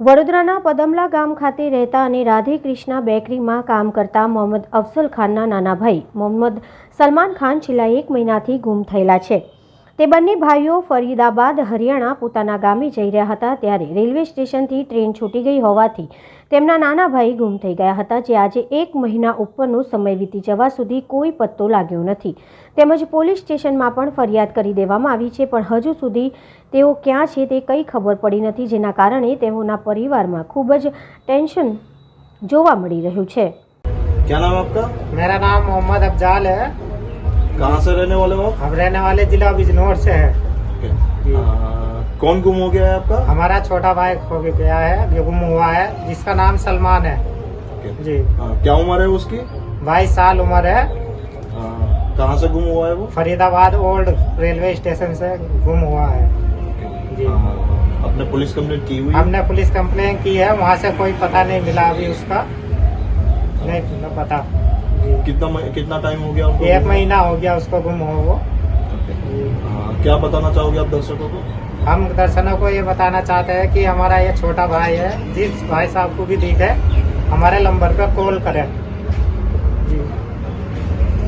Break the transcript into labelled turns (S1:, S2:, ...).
S1: વડોદરાના પદમલા ગામ ખાતે રહેતા અને રાધે ક્રિષ્ના બેકરીમાં કામ કરતા મોહમ્મદ અફઝલ ખાનના નાના ભાઈ મોહમ્મદ સલમાન ખાન છેલ્લા 1 મહિનાથી ગુમ થયેલા છે। તે બંને ભાઈઓ ફરીદાબાદ હરિયાણા પોતાના ગામે જઈ રહ્યા હતા ત્યારે રેલવે સ્ટેશનથી ટ્રેન છૂટી ગઈ હોવાથી તેમના નાના ભાઈ ગુમ થઈ ગયા હતા, જે આજે 1 મહિના ઉપરનો સમય વીતી જવા સુધી કોઈ પત્તો લાગ્યો નથી। તેમજ પોલીસ સ્ટેશનમાં પણ ફરિયાદ કરી દેવામાં આવી છે, પણ હજુ સુધી તેઓ ક્યાં છે તે કંઈ ખબર પડી નથી, જેના કારણે તેઓના પરિવારમાં ખૂબ જ ટેન્શન જોવા મળી રહ્યું છે।
S2: क्या नाम है आपका?
S3: मेरा नाम मोहम्मद अफजाल है।
S2: कहाँ से रहने वाले हो आप?
S3: हम रहने वाले जिला बिजनौर से है।
S2: कौन गुम हो गया है आपका?
S3: हमारा छोटा भाई खो गया है, ये गुम हुआ है, जिसका नाम सलमान है जी।
S2: क्या उम्र है उसकी?
S3: 22 साल उम्र है।
S2: कहाँ से गुम हुआ है वो?
S3: फरीदाबाद ओल्ड रेलवे स्टेशन से गुम हुआ है जी।
S2: आपने पुलिस कंप्लेंट की हुई?
S3: हमने पुलिस कंप्लेन की है, वहाँ से कोई पता नहीं मिला अभी उसका, नहीं पता।
S2: कितना टाइम हो गया उनको?
S3: 1 महीना हो गया उसको गुम हो वो।
S2: क्या बताना चाहोगे आप दर्शकों को?
S3: हम दर्शकों को ये बताना चाहते हैं कि हमारा ये छोटा भाई है, जिस भाई साहब को भी दिखे हमारे नंबर पर कॉल करें जी।